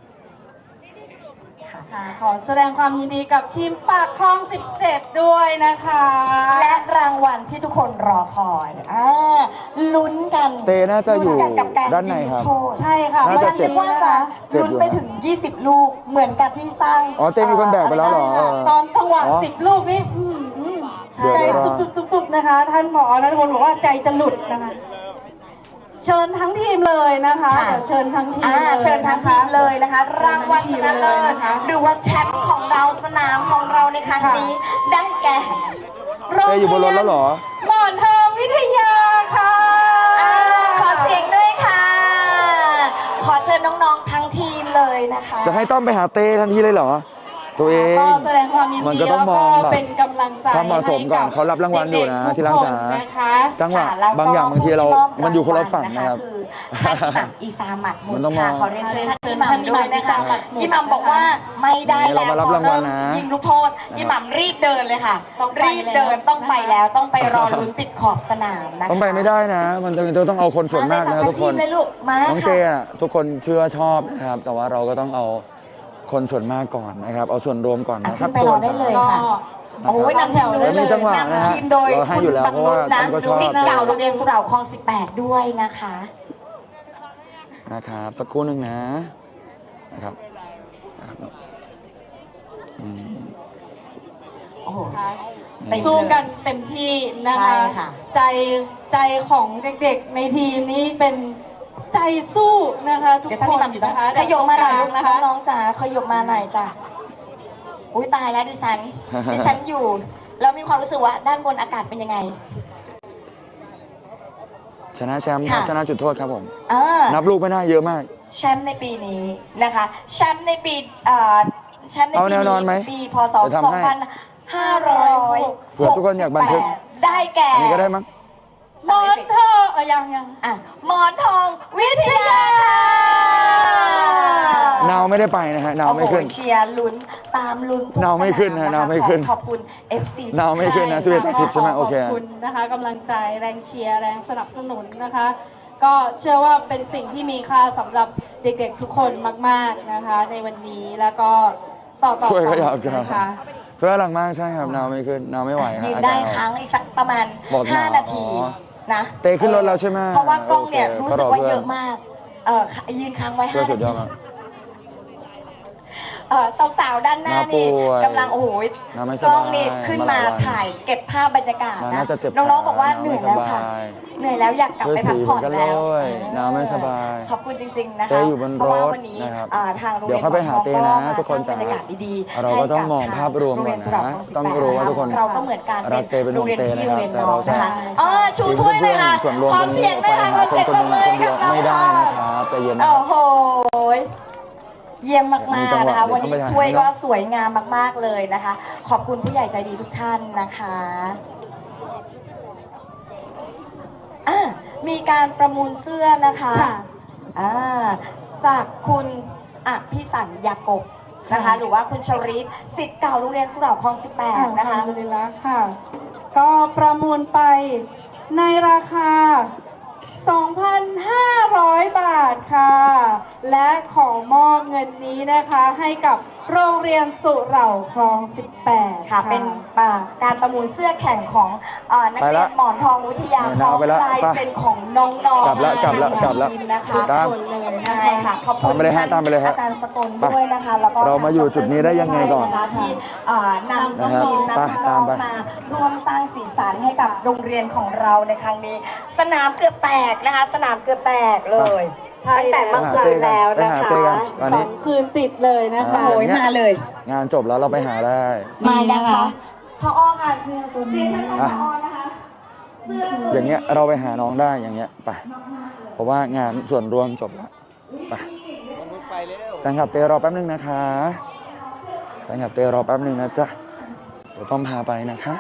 Speaker 4: ค่ะขอแสดงความยินดีกับทีมปากคลองสิบเจ็ดด้วยนะคะ
Speaker 3: และรางวัลที่ทุกคนรอคอยอ่าลุ้นกัน
Speaker 1: เต้น่าจะอยู่
Speaker 3: ลุ้กักับการ
Speaker 1: ด้านในครับ
Speaker 3: ยิงลูกโทษ
Speaker 4: ใช่ค่ะ
Speaker 3: ดิ
Speaker 1: น่า
Speaker 3: ฉั
Speaker 1: จะ
Speaker 3: น
Speaker 1: เจ็
Speaker 3: คิ
Speaker 1: บ
Speaker 3: ดว่าจะ
Speaker 1: เจ็บ
Speaker 3: ลุ้น
Speaker 1: อยู่
Speaker 3: ไปถึง ยี่สิบ ลูกเหมือนกับที่สร้าง
Speaker 1: อ๋อเต้มีคนแบกไปแล้วเหรอ
Speaker 4: ตอนจังหวะ
Speaker 1: อ๋อ
Speaker 4: สิบลูกนี่อืมอืม
Speaker 3: ใช่
Speaker 4: ใจ
Speaker 1: เดี๋ยว
Speaker 4: ตุบตุบตุบตุบนะคะ ท่านผอนัทพลบอกว่าใจจะหลุดนะคะ เชิญทั้งทีมเลยนะคะ
Speaker 3: ค่ะ
Speaker 4: เดี๋ยวเชิญทั้งทีม
Speaker 3: อ่า
Speaker 4: เลย
Speaker 3: เชิญทั้งทีมเลยนะคะ รางวัลชนะเลิศหรือว่าแชมป์ของเราสนามของเราในครั้งนี้ ได้แก่
Speaker 1: เต้อยู่บนรถแล้วเหรอ
Speaker 4: หมอนทองวิทยาค่ะ
Speaker 3: อ่าขอเสียงด้วยค่ะ ขอเชิญน้องๆทั้งทีมเลยนะคะ
Speaker 1: จะให้ต้อมไปหาเต้ทันทีเลยเหรอ ตัวเอง
Speaker 4: ก็แสดงความยิน
Speaker 1: มัน
Speaker 4: ดี
Speaker 1: ก็ต้องมอง
Speaker 4: แล้ว
Speaker 1: แบบ
Speaker 4: เป็นกำลังใจ
Speaker 1: ความเหมาะสมก่อนเขารับรางวัลอยู่นะ
Speaker 4: ให้กับ
Speaker 1: ที่รักจ๋า
Speaker 4: ทุกคนนะคะ
Speaker 1: จังหวะ
Speaker 3: ค่ะแล้วก็
Speaker 1: บางอย่างบางทีเรา
Speaker 3: ผู้ที่
Speaker 1: มันอยู่คนละฝั่งนะครับ
Speaker 3: คือท่านอิหมัมอีซามัดมุ
Speaker 1: มัน
Speaker 3: ด
Speaker 1: ต้องม
Speaker 3: ค่ะ
Speaker 1: อง
Speaker 3: ขอเรียนเชิญท่านอิหมัมด้วยนะคะอิหมัมบอกว่าไม่ได้
Speaker 1: นี่เรา
Speaker 3: แล้ว
Speaker 1: มารับรางวัลนะ
Speaker 3: พอเยิงลูกโทษอิหมัมรีบเดินเลยค่ะ
Speaker 4: ต้องไป
Speaker 3: รีบเดิน
Speaker 4: แล้ว
Speaker 3: ต้องไปแล้วต้องไปรอลุ้นติดขอบสนามนะคะ
Speaker 1: ต้องไปไม่ได้นะ มันจะต้องเอาคนส่วนมากนะ
Speaker 3: เลย
Speaker 1: ทุกคน
Speaker 3: ทีมเลยลูกมา
Speaker 1: น้อง
Speaker 3: ค่ะ
Speaker 1: เต้อะทุกคนเชื่อชอบนะครับ แต่ว่าเราก็ต้องเอาคนส่วนมากก่อนนะครับ เอาส่วนรวมก่อน
Speaker 3: อ่ะ
Speaker 1: นะค
Speaker 3: ขึ้
Speaker 1: รับ
Speaker 3: นไปรอได้เลย
Speaker 4: ก็
Speaker 3: ค่ะ โอ้ยนำทีมโดย
Speaker 1: แล้วมีจังหวะนะฮะ
Speaker 3: นำทีมโดย
Speaker 1: เราให้
Speaker 3: คุณ
Speaker 1: อยู่แล้ว
Speaker 3: บังนุชนะ
Speaker 1: เพราะว่าผมก็ชอบ
Speaker 3: สิทธิ์เก่าโรงเรียนสุเหร่าคลองสิบแปดด้วยนะคะ
Speaker 1: นะครับ สักครู่หนึ่งนะนะครับนะครับอืม
Speaker 3: โอ้โห
Speaker 1: นี่
Speaker 4: สู้กันเต็มที่นะ
Speaker 3: ใช่
Speaker 4: คะ
Speaker 3: ค่ะ
Speaker 4: ใจใจของเด็กๆในทีมนี้เป็นใจสู้นะคะทุก
Speaker 3: เดี๋ยว
Speaker 4: ค
Speaker 3: ท่าน
Speaker 4: น
Speaker 3: อิหมัมอยู่ตรง
Speaker 4: นะคะ
Speaker 3: ขยบมาหน่อยลูก
Speaker 4: นะคะ
Speaker 3: น้องๆจ๋าขยบมาหน่อยจ้ะอุ้ยตายแล้วดิฉัน ดิฉันอยู่ แล้วมีความรู้สึกว่าด้านบนอากาศเป็นยังไง
Speaker 1: ชนะแชมป์ครับ
Speaker 3: ค่ะ
Speaker 1: ชนะจุดโทษครับผม
Speaker 3: อ่า
Speaker 1: นับลูกไม่ได้เยอะมาก
Speaker 3: แชมป์ในปีนี้นะคะแชมป์ในปีเอ่อแชมป์ใน
Speaker 1: เอา
Speaker 3: ปี
Speaker 1: แนวนอนไหม
Speaker 3: นี้ปีพศ
Speaker 1: เดี๋ยวทำให้
Speaker 3: สองพันห้าร้อย
Speaker 1: เผื่อทุกคนอยากบันทึก
Speaker 3: ได้แก่
Speaker 1: อันนี้ก็ได้มั้ง
Speaker 4: หมอนทองเออยังยัง
Speaker 3: อ่ะหมอนทองวิทยาค่ะ
Speaker 1: นาวไม่ได้ไปนะฮะนาวไม่ขึ้น
Speaker 3: โอ้โหเชียร์ลุ้นตามลุ้นทุก
Speaker 1: นาวไม่ขึ้นนะ
Speaker 3: ส
Speaker 1: นาวไม่ขึ้น
Speaker 3: ขอบคุณ เอฟ ซี
Speaker 1: นาวไม่ขึ้นนะสิบเอ็ดต่อสิบใช่ไหมโอเค
Speaker 4: ขอบคุณนะคะกำลังใจแรงเชียร์แรงสนับสนุนนะคะ ก็เชื่อว่าเป็นสิ่งที่มีค่าสำหรับเด็กๆทุกคนมากๆนะคะ ในวันนี้แล้วก็ต่อต่อ
Speaker 1: ช่วย
Speaker 4: ไป
Speaker 1: ก็อยากจะ
Speaker 4: นะคะ
Speaker 1: ช่วยหลังมากใช่ครับนาวไม่ขึ้นนาวไม่ไหวฮะ
Speaker 3: ยืน
Speaker 1: อา
Speaker 3: ได้
Speaker 1: กาศ
Speaker 3: ค้างอีกสักประมาณ
Speaker 1: บอกหนาว
Speaker 3: ห้า นาที
Speaker 1: อ๋อ
Speaker 3: นะ
Speaker 1: เตะขึ้นรถแล้วใช่ไหม
Speaker 3: เพราะว่ากล้องเนี่ย
Speaker 1: โอเค
Speaker 3: รู้สึกว่า
Speaker 1: ก็รอเพื่อน
Speaker 3: เยอะมากเออยืนค้างไว้
Speaker 1: เพื่อ
Speaker 3: ห้า
Speaker 1: สุ
Speaker 3: นา
Speaker 1: ดย
Speaker 3: ที
Speaker 1: อดมาก
Speaker 3: เออสาวๆด้านหน้านี่
Speaker 1: น้าป่วย
Speaker 3: กำลังโอ้โห
Speaker 1: น้าไม่ส
Speaker 3: ก
Speaker 1: บาย
Speaker 3: ล้องนี่ขึ้นมา
Speaker 1: มาหลายวัน
Speaker 3: ถ่ายเก็บภาพบรรยากาศ
Speaker 1: น้า
Speaker 3: นะ
Speaker 1: น่าจะเจ็บ
Speaker 3: น้องๆบอกว่า
Speaker 1: ขา
Speaker 3: เหนื่อยแล้วค่ะ
Speaker 1: น้าไม่สบาย
Speaker 3: เหนื่อยแล้วอยากกลับไปพักผ่อน
Speaker 1: ช่วยสีเหมือนกัน
Speaker 3: แล้ว
Speaker 1: เลย
Speaker 3: เออ
Speaker 1: น้าไม่สบาย
Speaker 3: ขอบคุณจริงๆนะ
Speaker 1: เต้
Speaker 3: คะ
Speaker 1: อยู่บน
Speaker 3: เพราะว่าร
Speaker 1: ถ
Speaker 3: วันนี้
Speaker 1: นะครับ
Speaker 3: อ่าทางโรง
Speaker 1: เดี๋
Speaker 3: เรี
Speaker 1: ย
Speaker 3: ย
Speaker 1: วน เข้าไปหาเต้นะ
Speaker 3: มา
Speaker 1: ทุกคน
Speaker 3: สร้างบรรยากาศดีๆ
Speaker 1: เราก็ต้องมองภาพรวม
Speaker 3: โรง
Speaker 1: ก่
Speaker 3: เรี
Speaker 1: อย น
Speaker 3: นสุเหร่า
Speaker 1: นะ
Speaker 3: คลองสิบ
Speaker 1: ต้อง
Speaker 3: แปด
Speaker 1: รู้ว่าทุกคน
Speaker 3: เราก็เหมือนกัน
Speaker 1: รักเต้เป็นห่วงเต้
Speaker 3: โรงเรียนพี่โรงเรียน
Speaker 1: นะครับ
Speaker 3: น้อง
Speaker 1: แต่
Speaker 3: นะ
Speaker 1: เรา
Speaker 3: คะอ๋อชูถ้วยเลยค่ะ
Speaker 1: ส่วนรวม
Speaker 3: ขอ
Speaker 1: ตรง
Speaker 3: เสี
Speaker 1: นี้
Speaker 3: ยง
Speaker 1: ไป
Speaker 3: ด้วยค่ะข
Speaker 1: หา
Speaker 3: อ
Speaker 1: คน
Speaker 3: เสียง
Speaker 1: คน
Speaker 3: ป
Speaker 1: ห
Speaker 3: ร
Speaker 1: นึ่
Speaker 3: บ
Speaker 1: ง
Speaker 3: มือ
Speaker 1: คน
Speaker 3: ให้
Speaker 1: เดี
Speaker 3: กั
Speaker 1: ยว
Speaker 3: บเรา
Speaker 1: ไม่ได้
Speaker 3: ค่ะ
Speaker 1: นะครับใจเย็นนะ
Speaker 3: โอ้โหเยี่ยมมาก
Speaker 1: มี
Speaker 3: ๆ
Speaker 1: จังหวะ
Speaker 3: นะคะ วันนี้
Speaker 1: เดี๋ยวต้องไปหา
Speaker 3: ถ้วย
Speaker 1: ให้
Speaker 3: ก็
Speaker 1: เนอะ
Speaker 3: สวยงามมากๆเลยนะคะ ขอบคุณผู้ใหญ่ใจดีทุกท่านนะคะอ่ะมีการประมูลเสื้อนะคะ
Speaker 4: ค่ะ
Speaker 3: อ่าจากคุณอภิสันยากบนะคะ หรือว่าคุณชริตศิษย์เก่าโรงเรียนสุเหร่าคลองสิบแปดนะคะ
Speaker 4: อัลฮัมดุลิลละค่ะ ก็ประมูลไปในราคา สองพันห้าร้อย บาทค่ะ และขอมอบเงินนี้นะคะให้กับโรงเรียนสุเหร่าคลอง สิบแปด
Speaker 3: ค่ะ เป็นอ่าการประมูลเสื้อแข่งของเอ่อนักเรียนหมอนทองวิทยา
Speaker 1: ไป
Speaker 3: พร้อม
Speaker 1: ไปละ
Speaker 3: ลาย
Speaker 1: ไป
Speaker 3: เซ็นของน้องๆ
Speaker 1: กลับละกลับละ
Speaker 3: ทาง
Speaker 1: กลับละ
Speaker 3: ทีมนะคะ
Speaker 1: ตาม
Speaker 3: ใช่ค่ะขอบคุณ
Speaker 1: ตามไปเลยฮะตามไปเลยฮะ
Speaker 3: อาจารย์สกลด้วยนะคะแล้วก็
Speaker 1: เรามาอยู่จุดนี้ได้ยังไงก่อน
Speaker 3: ใช่นะคะที่เอ่อนำน้องๆ
Speaker 1: ไป
Speaker 3: นำ
Speaker 1: ตา
Speaker 3: น้อ
Speaker 1: ม
Speaker 3: ง
Speaker 1: ไป
Speaker 3: ๆมาร่วมสร้างสีสันให้กับโรงเรียนของเราในครั้งนี้ สนามเกือบแตกนะคะ สนามเกือบแตกเลย
Speaker 4: ใช่
Speaker 3: ตั้งแต่เมื่อคืนแล้วนะ
Speaker 1: ไปหา
Speaker 3: คะ
Speaker 1: เต้กันวัน
Speaker 4: สอ
Speaker 1: นี้
Speaker 4: งคืนติดเลยนะคะ
Speaker 3: โอ้ยมาเลย
Speaker 1: งานจบแล้วเราไปหาได้
Speaker 3: มายังคะพอค่ะเสื้อตัวนี้พ
Speaker 1: อ่ะ
Speaker 3: อนะคะเสื้อตัว
Speaker 1: อย่างเงี้ยเราไปหาน้องได้อย่างเงี้ยไปเพราะว่างานส่วนรวมจบแล้วไปแฟนคลับเตรอแป๊บนึงนะคะแฟนคลับเตรอแป๊บนึงนะจ๊ะเดี๋ยวต้องพาไปนะคะ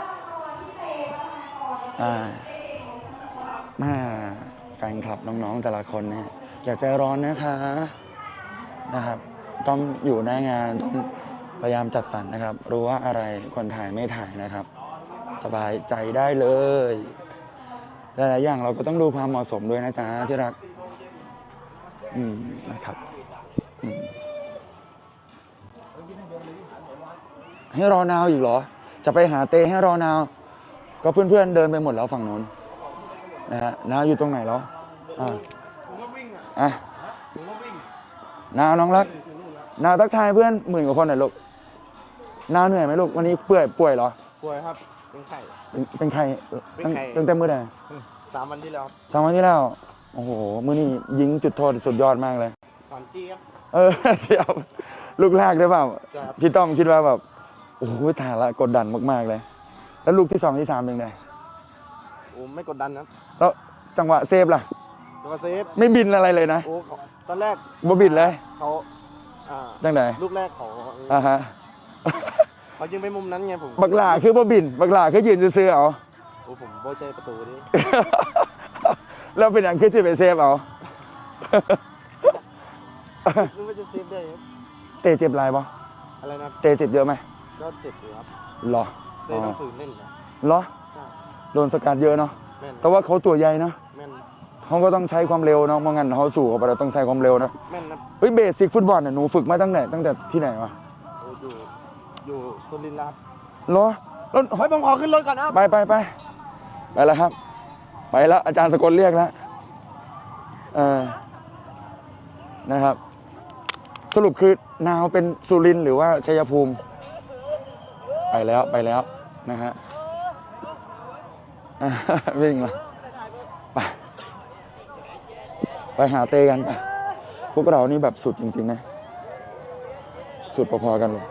Speaker 1: อ่ามาแฟนคลับน้องๆแต่ละคนเนี่ยอย่าใจร้อนนะคะนะครับ ต้องอยู่หน้างานต้องพยายามจัดสรรนะครับ รู้ว่าอะไรคนถ่ายไม่ถ่ายนะครับ สบายใจได้เลยหลายๆอย่างเราก็ต้องดูความเหมาะสมด้วยนะจ๊ะที่รักอืมนะครับอืมให้รอนาวอีกเหรอ จะไปหาเตให้รอนาว ก็เพื่อนๆเดินไปหมดแล้วฝั่งนู้นนะฮะนาวอยู่ตรงไหนแล้วอ่าอ่ะนาวน้องรักนาวทักทายเพื่อนหมื่นกว่าคนหน่อยลูกนาวเหนื่อยไหมลูกวันนี้เปื่อยป่วยเหรอ
Speaker 5: ป่วยครับ เป็นไข้
Speaker 1: เป็นเป็นใคร
Speaker 5: เป็น
Speaker 1: ตั้ง
Speaker 5: ใคร
Speaker 1: ตั้งแต่เมื่อไหร่
Speaker 5: สามวันที่แล้วครับ
Speaker 1: สามวันที่แล้ว โอ้โห มื้อนี้ยิงจุดโทษสุดยอดมากเลย
Speaker 5: ถอนจี้ครับ
Speaker 1: เออ เชียวลูกแรกได้เปล่า
Speaker 5: ใช่ครับ
Speaker 1: พี่ต้อมคิดว่าแบบ โอ้โหถ่ายละกดดันมากๆเลย แล้วลูกที่สองที่สามเป็นไง
Speaker 5: โอ้ไม่กดดันครับ
Speaker 1: แล้วจังหวะเซฟล่ะ
Speaker 5: แล้วก็เซฟ
Speaker 1: ไม่บินอะไรเลยนะ
Speaker 5: โอ้เขาตอนแรก
Speaker 1: บ่บินเลย
Speaker 5: เขาอ่า
Speaker 1: จังไหน
Speaker 5: ลูกแรกเขา
Speaker 1: อ่าฮะ
Speaker 5: เขายิงไปมุมนั้นไงผม
Speaker 1: บักหลาคือบ่บิน บักหลาคือยืนซื่อๆเอา
Speaker 5: โอ้ผมโบเจประตูดิ
Speaker 1: แล้วเป็นอย่างคือจะไปเซฟเอา
Speaker 5: นึกว่าจะเซฟได้ครับ
Speaker 1: เตะเจ็บไรปะ
Speaker 5: อะไรนะครับ
Speaker 1: เตะเจ็บเยอะไหม
Speaker 5: ก็เจ็บอยู่ครับ
Speaker 1: เหรอ
Speaker 5: เตะต้องฝืนเล่นนะ
Speaker 1: เหรอ
Speaker 5: ใช่
Speaker 1: โดนสกัดเยอะเนาะ
Speaker 5: แม่น
Speaker 1: แต่ว่าเขาตัวใหญ่เนาะ
Speaker 5: แม่น
Speaker 1: เขาก็ต้องใช้ความเร็วเนาะเพราะงั้นเขาสู่เขาไปเราต้องใช้ความเร็วนะ
Speaker 5: แม่นนะ
Speaker 1: เฮ้ยเบสิกฟุตบอลเนี่ยหนูฝึกมาตั้งแต่ตั้งแต่ที่ไหนวะ
Speaker 5: โอ้อยู่อยู่สุรินทร์แล้วครับ
Speaker 1: เหรอแล้ว
Speaker 5: เฮ้ยผมขอขึ้นรถก่อนนะครับ
Speaker 1: ไปไปไปไปแล้วครับ ไปแล้วอาจารย์สกลเรียกแล้วเออนะครับ สรุปคือนาวเป็นสุรินทร์หรือว่าชัยภูมิ ไปแล้วไปแล้วนะฮะอ่ะวิ่งมาไปไปหาเตกันไปพวกเรานี่แบบสุดจริงๆนะ สุดพอๆกันเลย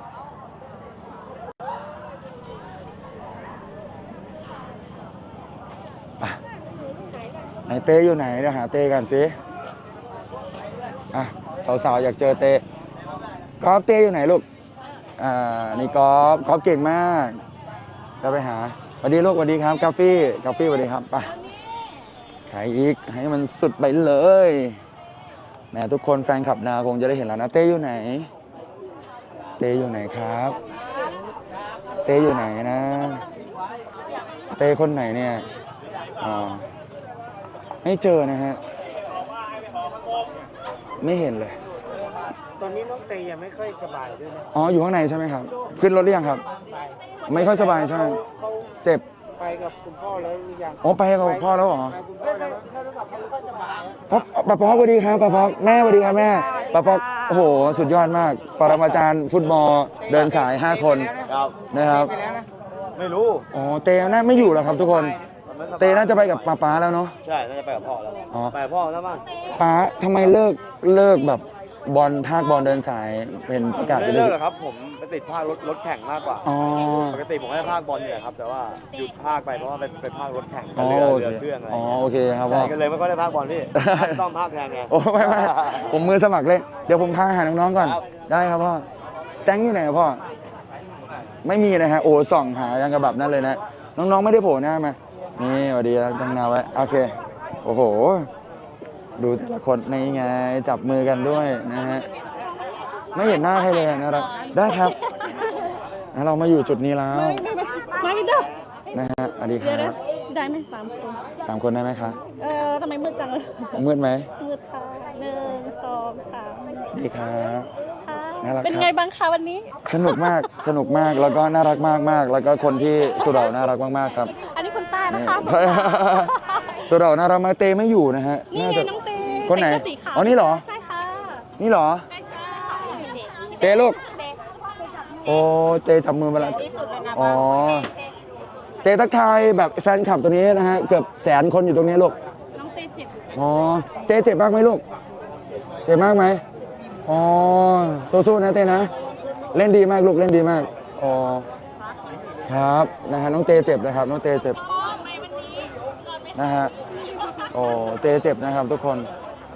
Speaker 1: ไปไหนเต้อยู่ไหนเดี๋ยวหาเต้กันสิอ่ะสาวๆอยากเจอเต้กอล์ฟเต้อยู่ไหนลูกอ่านี่กอล์ฟกอล์ฟเก่งมากจะไปหาสวัสดีลูกสวัสดีครับกาแฟกาแฟสวัสดีครับไปรอีกให้มันสุดไปเลยแหมทุกคนแฟนคลับนาคงจะได้เห็นแล้วนะเต้อยู่ไหนเต้อยู่ไหนครับเต้อยู่ไหนนะเต้คนไหนเนี่ยอ๋อไม่เจอนะฮะไม่เห็นเลย
Speaker 5: ตอนนี้น้องเตยยังไม่ค่อยสบายด้วยนะ
Speaker 1: อ๋ออยู่ข้างในใช่ไหมครับขึ้นรถหรือยังครับไม่ค่อยสบายใช่ไหม
Speaker 5: เขา
Speaker 1: เจ็บ
Speaker 5: ไปกับคุณพ่อแล้วหรือยัง
Speaker 1: อ๋อไปกับพ่อแล้วเหรอ
Speaker 5: ไปคุณพ่อแล้วแค่รู้สึกเขาไม่ค่อยสบาย
Speaker 1: พ่อป้าป๊อกสวัสดีครับป้าป๊อกแม่สวัสดีครับแม่ป้าป๊อกโอ้โหสุดยอดมากปรมาจารย์ฟุตบอลเดินสายห้าคนนะครับ
Speaker 5: ไม่รู้
Speaker 1: อ๋อเตน่าไม่อยู่แล้วครับทุกคนเตน่าจะไปกับป้าป๊าแล้วเนาะ
Speaker 5: ใช่น่าจะไปกับพ่อแล้ว
Speaker 1: อ๋อ
Speaker 5: ไปกับพ่อแล้วมั้ง
Speaker 1: ป้าทำไมเลิกเลิกแบบบอลภาคบอลเดินสายเป็นประกาศ
Speaker 5: ไม่
Speaker 1: ไป
Speaker 5: ได้
Speaker 1: เล
Speaker 5: เลิก
Speaker 1: ย
Speaker 5: หรอกครับผมไปติดภาครถรถแข่งมากกว่า
Speaker 1: อ๋อ
Speaker 5: ปกติผมก็จะภาคบอลเนี่ยครับแต่ว่าหยุดภาคไปเพราะว่าไปไปภาครถแข่ง
Speaker 1: อ๋อ
Speaker 5: เรือ
Speaker 1: โอ
Speaker 5: เรือ
Speaker 1: เค
Speaker 5: เครื่องอะไร
Speaker 1: อ๋อโอเคครับพ่
Speaker 5: ใช่
Speaker 1: อ
Speaker 5: ก็เลยไม่ค่อยได้ภาคบอลพี่ ต้องภาคแทนไง
Speaker 1: โอ้ไม่ไม่ผมมือสมัครเลยเดี๋ยวผมพาหาน้องๆก่อน
Speaker 5: ครับ
Speaker 1: ได้ครับพ่อแจ้งอยู่ไหนครับพ่อไม่มีนะฮะโอ้ส่องหายังกระแบบนั้นเลยนะน้องๆไม่ได้โผล่หน้ามานี่สวัสดีครับตั้งนาไว้โอเคโอ้โหดูแต่ละคนในไงจับมือกันด้วยนะฮะไม่เห็นหน้าใครเลยนะครับได้ครับนะเรามาอยู่จุดนี้แล้ว
Speaker 6: ไม่ไม่ไม่ไม่เด้อ
Speaker 1: นะฮะสวัสดีค
Speaker 6: เดี๋ยว
Speaker 1: รั
Speaker 6: นะ
Speaker 1: บ
Speaker 6: ได้ไหมสามคน
Speaker 1: สามคนได้ไหมคะ
Speaker 6: เออทำไมมืดจังเลย
Speaker 1: มืดไหม
Speaker 6: มืดค่ะหนึ่งสองสาม
Speaker 1: ดีครับ
Speaker 6: ค่ะ
Speaker 1: น่ารักครับ
Speaker 6: เป็นไงบ้างคะวันนี้
Speaker 1: สนุกมากสนุกมากแล้วก็น่ารักมากมากแล้วก็คนที่สุเหร่าน่ารักมากๆครับ
Speaker 6: อันนี้คุณป้านะ
Speaker 1: นี่
Speaker 6: คะ
Speaker 1: ใช่ สุเหร่าน่ารักมากเตไม่อยู่นะฮะ
Speaker 6: นี่
Speaker 1: น่า
Speaker 6: ไง
Speaker 1: จะ
Speaker 6: น้องเต้
Speaker 1: คนไหน
Speaker 6: ใส่เสื้อสีขาว
Speaker 1: อ๋อนี่เหรอ
Speaker 6: ใช่ค่ะ
Speaker 1: นี่เหรอ
Speaker 6: ใช่ค่ะ
Speaker 1: เตลูกโอ้เตจับมือมาแล้วอ๋อเตทักทายแบบแฟนคลับตัวนี้นะฮะเกือบแสนคนอยู่ตรงนี้ลูก
Speaker 6: น้องเต้เจ็บ
Speaker 1: อ๋อเตเจ็บมากไหมลูกเจ็บมากไหมอ๋อสู้ๆนะเตนะ เล่นดีมากลูกเล่นดีมากอ๋อครับนะฮะน้องเตเจ็บนะครับน้องเตเจ็บนะฮะโอ้เตเจ็บนะครับทุกคน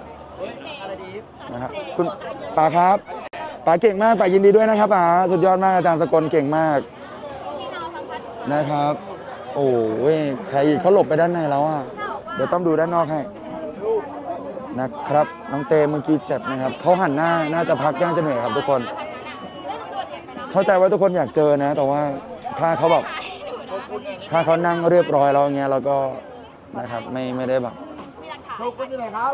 Speaker 1: นะครับคุณป๋าครับป๋าเก่งมากป๋ายินดีด้วยนะครับป๋าสุดยอดมากอาจารย์สกลเก่งมากนะครับ โอ้ยใครอีกเขาหลบไปด้านในแล้วอ่ะเดี๋ยวต้องดูด้านนอกให้นะครับน้องเตเมื่อกี้เจ็บนะครับเขาหันหน้าน่าจะพักย่างจะเหนื่อยครับทุกคน เข้าใจว่าทุกคนอยากเจอนะ แต่ว่าถ้าเขาแบบถ้าเขานั่งเรียบร้อยแล้วอย่างเงี้ยเราก็นะครับไม่ไม่ได้แบบโชกุนอยู่ไหนครับ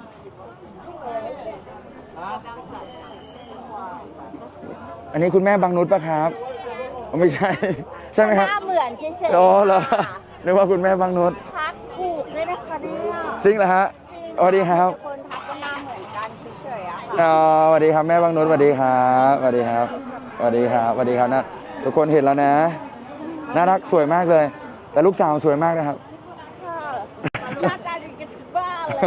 Speaker 1: อันนี้คุณแม่บางนุชปะครับอ๋อไม่ใช่ ใช่ไหมครับ
Speaker 2: หน้าเหมือนเฉย
Speaker 1: โอ้เหรอนึกว่าคุณแม่บางนุช
Speaker 2: ๆทักถูกเลยนะคะเนี่ย
Speaker 1: จริงเหรอฮะสวัสดีครับ
Speaker 2: คนทักก็หน้าเหมือนกันเฉยๆอะค่ะ
Speaker 1: อ๋อสวัสดีครับแม่บางนุชสวัสดีครับสวัสดีครับสวัสดีครับสวัสดีครับนะทุกคนเห็นแล้วนะน่ารักสวยมากเลย แต่ลูกสาวสวยมากนะครับ
Speaker 2: หน้าตาดีกันทุกบ้านเลย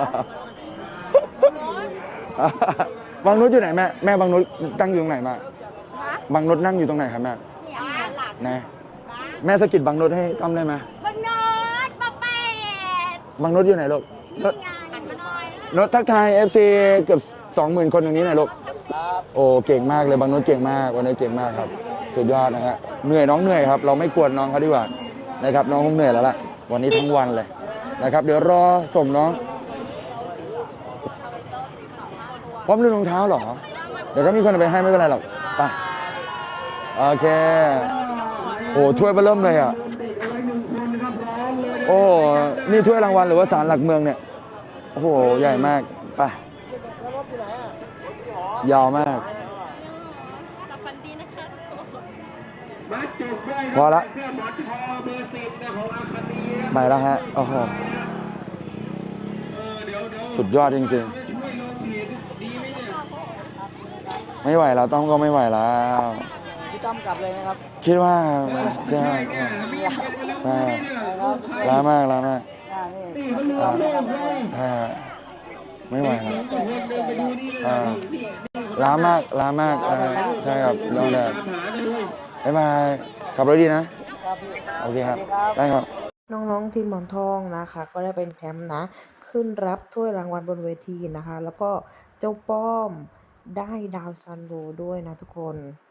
Speaker 2: ค่ะ
Speaker 1: บางนุชอยู่ไหนแม่แม่บางนุชตั้งอยู่ตรงไหนมาบางนุชนั่งอยู่ตรงไหนครับแม่นะแม่สะกิดบางนุชให้ต้อมได้ไหม
Speaker 2: บางโน้ตปะเป็ด
Speaker 1: บางนุชอยู่ไหนลูกนุช
Speaker 2: หันมาหน่อย
Speaker 1: นุชทักทาย เอฟ ซี เกือบสองหมื่นคนตรงนี้หน่อยลูกโอ้เก่งมากเลยบางนุชเก่งมากวันนี้เก่งมากครับสุดยอดนะฮะเหนื่อยน้องเหนื่อยครับเราไม่ควรน้องเขาดีกว่านะครับน้องคงเหนื่อยแล้วล่ะวันนี้ทั้งวันเลยนะครับเดี๋ยวรอส่งน้องพร้อมลืมรองเท้าเหรอเดี๋ยวก็มีคนเอาไปให้ไม่เป็นไรหรอกไปโอเคโอ้ถ้วยเบอร์เริ่มเลยอ่ะโอ้นี่ถ้วยรางวัลหรือว่าศาลหลักเมืองเนี่ยโอ้โหใหญ่มากไปยาวมาก
Speaker 6: หลับฝันดีนะคะ
Speaker 1: พอละไปแล้วฮะโอ้โหสุดยอดจริงๆไม่ไหวแล้วต้องก็ไม่ไหวแล้ว
Speaker 5: พี่ต้อมกลับเลยไหมครับ
Speaker 1: คิดว่าใช่ใช่ล้ามากล้ามากอ่าอ่าไม่ไหวแล้วอ่าล้ามากล้ามากอ่าใช่ครับน้องแดดบ๊ายบายขับรถดีนะโอเคครับได้ครับ
Speaker 7: น้องๆทีมหมอนทองนะคะก็ได้เป็นแชมป์นะขึ้นรับถ้วยรางวัลบนเวทีนะคะแล้วก็เจ้าป้อมได้ดาวซันโวด้วยนะทุกคน